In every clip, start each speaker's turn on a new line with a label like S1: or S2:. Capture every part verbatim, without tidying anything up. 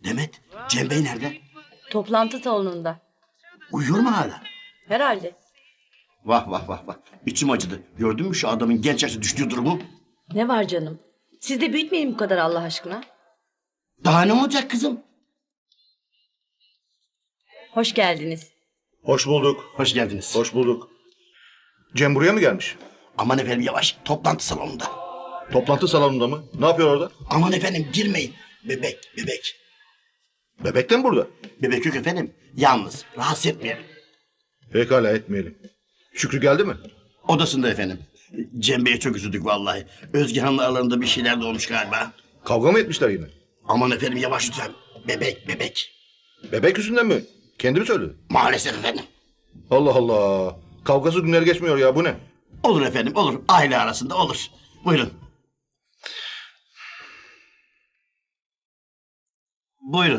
S1: Demet, Cem Bey nerede?
S2: Toplantı salonunda.
S1: Uyuyor mu hala?
S2: Herhalde.
S1: Vah vah vah vah. İçim acıdı. Gördün mü şu adamın genç yaşta düştüğü durumu?
S2: Ne var canım? Siz de büyütmeyin bu kadar Allah aşkına.
S1: Daha ne olacak kızım?
S2: Hoş geldiniz.
S3: Hoş bulduk.
S1: Hoş geldiniz.
S3: Hoş bulduk. Cem buraya mı gelmiş?
S1: Aman efendim yavaş. Toplantı salonunda.
S3: Toplantı salonunda mı? Ne yapıyor orada?
S1: Aman efendim girmeyin. Bebek, bebek.
S3: Bebek de mi burada?
S1: Bebek yok efendim. Yalnız. Rahatsız etmeyelim.
S3: Pekala etmeyelim. Şükrü geldi mi?
S1: Odasında efendim. Cem Bey'e çok üzüldük vallahi. Özge Hanım'la aralarında bir şeyler de olmuş galiba.
S3: Kavga mı etmişler yine?
S1: Aman efendim yavaş lütfen. Bebek, bebek.
S3: Bebek yüzünden mi? Kendi mi söyledi?
S1: Maalesef efendim.
S3: Allah Allah. Kavgasız günler geçmiyor ya, bu ne?
S1: Olur efendim olur. Aile arasında olur. Buyurun. Buyurun.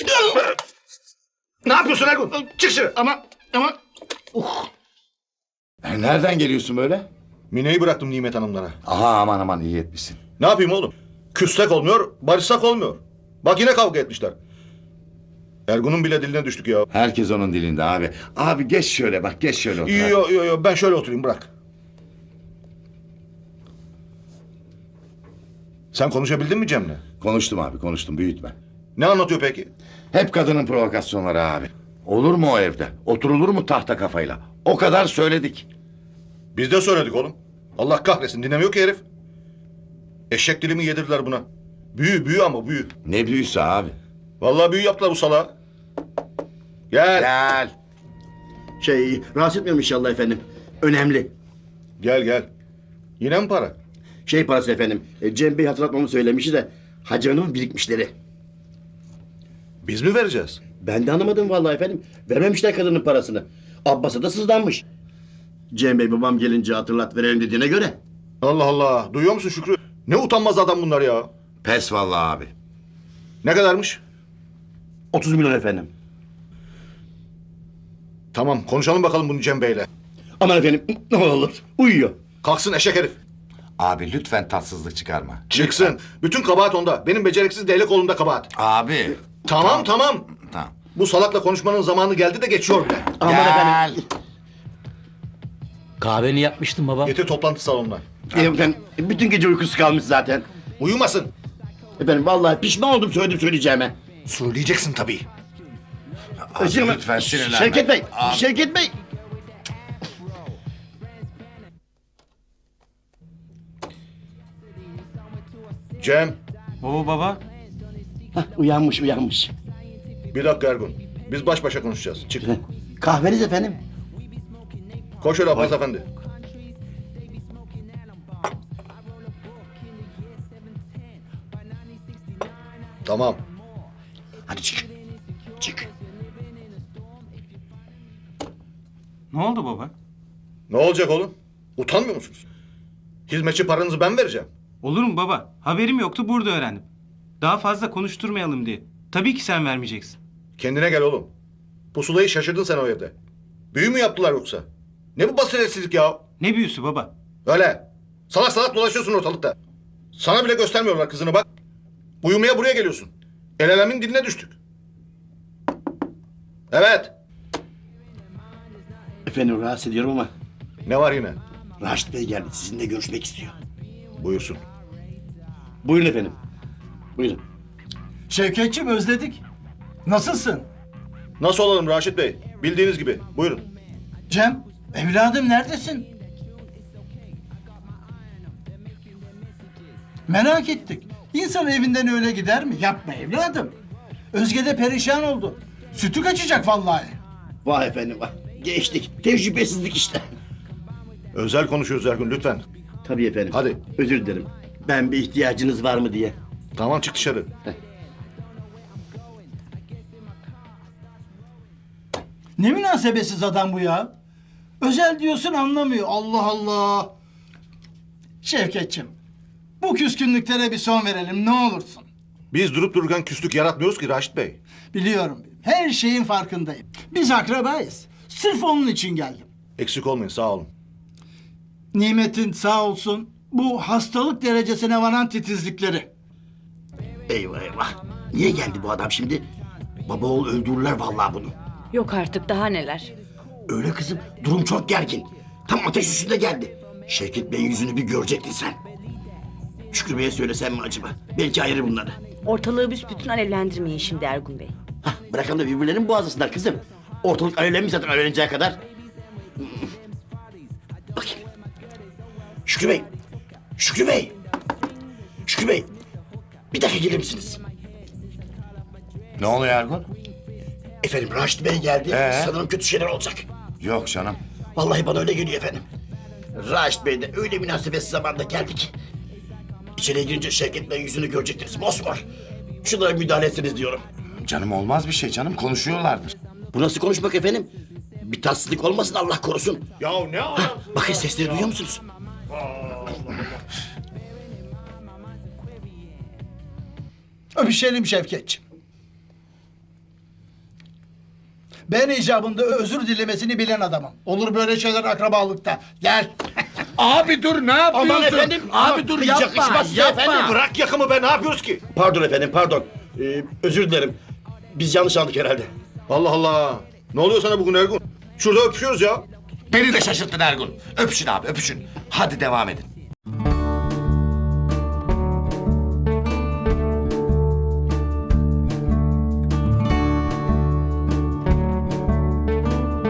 S3: Ne yapıyorsun Ergun? Çık dışarı.
S1: Ama ama uh.
S4: E, Nereden geliyorsun böyle?
S3: Mine'yi bıraktım Nimet Hanımlara.
S4: Aha aman aman iyi etmişsin.
S3: Ne yapayım oğlum? Küssek olmuyor, barışsak olmuyor. Bak yine kavga etmişler. Ergun'un bile diline düştük ya.
S4: Herkes onun dilinde abi. Abi geç şöyle bak geç şöyle otur. ha.
S3: Yo yo yo ben şöyle oturayım, bırak. Sen konuşabildin mi Cem'le?
S4: Konuştum abi konuştum büyütme.
S3: Ne anlatıyor peki?
S4: Hep kadının provokasyonları abi. Olur mu o evde? Oturulur mu tahta kafayla? O kadar söyledik.
S3: Biz de söyledik oğlum. Allah kahretsin, dinlemiyor ki herif. Eşek dilimi yedirdiler buna. Büyü büyü ama büyü.
S4: Ne büyüsü abi.
S3: Vallahi büyü yaptılar bu salağa. Gel.
S4: Gel.
S1: Şey rahatsız etmiyorum inşallah efendim. Önemli.
S3: Gel gel. Yine mi para?
S1: Şey parası efendim. e, Cem Bey hatırlatmamı söylemişti de Hacı Hanım'ın birikmişleri.
S3: Biz mi vereceğiz?
S1: Ben de anlamadım vallahi efendim. Vermemişler kadının parasını. Abbas'a da sızlanmış. Cem Bey babam gelince hatırlat verelim dediğine göre.
S3: Allah Allah. Duyuyor musun Şükrü? Ne utanmaz adam bunlar ya.
S4: Pes vallahi abi.
S3: Ne kadarmış?
S1: otuz milyon efendim.
S3: Tamam, konuşalım bakalım bunu Cem Bey'le.
S1: Aman efendim ne olur uyuyor.
S3: Kalksın eşek herif.
S4: Abi lütfen tatsızlık çıkarma.
S3: Çıksın.
S4: Lütfen.
S3: Bütün kabahat onda. Benim beceriksiz değnek kolumda kabahat.
S4: Abi.
S3: Tamam tamam.
S4: Tamam.
S3: Bu salakla konuşmanın zamanı geldi de geçiyor bile.
S1: Aman
S4: Gel.
S1: efendim.
S5: Kahveni yapmıştım baba.
S3: Getir toplantı salonuna.
S1: E, efendim bütün gece uykusu kalmış zaten.
S3: Uyumasın.
S1: Efendim vallahi pişman oldum söyledim söyleyeceğime.
S3: Söyleyeceksin tabii.
S4: Abi,
S1: Şey-
S4: lütfen sinirlenme.
S1: Şevket Bey,
S4: Abi.
S1: Şevket Bey.
S3: Cem.
S5: Oo baba.
S1: Hah, uyanmış uyanmış.
S3: Bir dakika Ergun. Biz baş başa konuşacağız. Çık.
S1: Kahveniz efendim.
S3: Koş öyle Abbas Efendi. Tamam.
S1: Hadi çık. Çık.
S5: Ne oldu baba?
S3: Ne olacak oğlum? Utanmıyor musunuz? Hizmetçi paranızı ben vereceğim.
S5: Olur mu baba? Haberim yoktu, burada öğrendim. Daha fazla konuşturmayalım diye. Tabii ki sen vermeyeceksin.
S3: Kendine gel oğlum. Pusulayı şaşırdın sen o evde. Büyü mü yaptılar yoksa? Ne bu basiretsizlik ya?
S5: Ne büyüsü baba?
S3: Öyle. Salak salak dolaşıyorsun ortalıkta. Sana bile göstermiyorlar kızını bak. Uyumaya buraya geliyorsun. El alemin diline düştük. Evet.
S1: Efendim rahatsız ediyorum ama
S3: Ne var yine?
S1: Raşit Bey geldi sizinle görüşmek istiyor.
S3: Buyursun.
S1: Buyurun efendim. Buyurun.
S6: Şevketçim özledik. Nasılsın?
S3: Nasıl olalım Raşit Bey? Bildiğiniz gibi. Buyurun.
S6: Cem, evladım neredesin? Merak ettik. İnsan evinden öyle gider mi? Yapma evladım. Özge de perişan oldu. Sütü kaçacak vallahi.
S1: Vah efendim vah. Geçtik. Tecrübesizlik işte.
S3: Özel konuşuyoruz Ergun lütfen.
S1: Tabii efendim.
S3: Hadi.
S1: Özür dilerim. Ben bir ihtiyacınız var mı diye.
S3: Tamam çık dışarı.
S6: Ne münasebetsiz adam bu ya. Özel diyorsun anlamıyor. Allah Allah. Şevketçim, bu küskünlüklere bir son verelim ne olursun.
S3: Biz durup dururken küslük yaratmıyoruz ki Raşit Bey.
S6: Biliyorum. Her şeyin farkındayım. Biz akrabayız. Sırf onun için geldim.
S3: Eksik olmayın sağ olun.
S6: Nimet'in sağ olsun bu hastalık derecesine varan titizlikleri.
S1: E, Eyvah eyvah. Niye geldi bu adam şimdi? Baba oğul öldürürler vallahi bunu.
S2: Yok artık daha neler.
S1: Öyle kızım, durum çok gergin. Tam ateş üstünde geldi. Şevket Bey'in yüzünü bir görecektin sen. Şükrü Bey'e söylesem mi acaba? Belki ayırır bunları.
S2: Ortalığı büsbütün alevlendirmeyin şimdi Ergun Bey.
S1: Hah, bırakalım da birbirlerinin boğazısınlar kızım. Ortalık alevlenmiş zaten alevleneceği kadar. Bakayım. Şükrü Bey. Şükrü Bey. Şükrü Bey. Bir dakika gelir misiniz?
S4: Ne oluyor Ergun?
S1: Efendim Raşit Bey geldi.
S4: Ee?
S1: Sanırım kötü şeyler olacak.
S4: Yok canım.
S1: Vallahi bana öyle geliyor efendim. Raşit Bey de öyle münasebetsiz zamanda geldi ki. İçeriye girince Şevket Bey yüzünü görecektiniz. Mosmor. Şunlara müdahale etsiniz diyorum.
S4: Canım olmaz bir şey canım. Konuşuyorlardır.
S1: Bu nasıl konuşmak efendim? Bir tatsızlık olmasın Allah korusun.
S3: Ya ne adamsın?
S1: Bakın sesleri duyuyor musunuz?
S6: Öpüşelim Şevketçim. Ben icabında özür dilemesini bilen adamım. Olur böyle şeyler akrabalıkta. Gel.
S4: Abi dur ne yapıyorsun?
S1: Aman efendim, abi dur, hiç yakışmaz size efendim.
S3: Bırak yakımı be, ne yapıyoruz ki?
S1: Pardon efendim, pardon. Ee, özür dilerim. Biz yanlış anladık herhalde.
S3: Allah Allah. Ne oluyor sana bugün Ergun? Şurada öpüşüyoruz ya.
S4: Beni de şaşırttın Ergun. Öpüşün abi öpüşün. Hadi devam edin.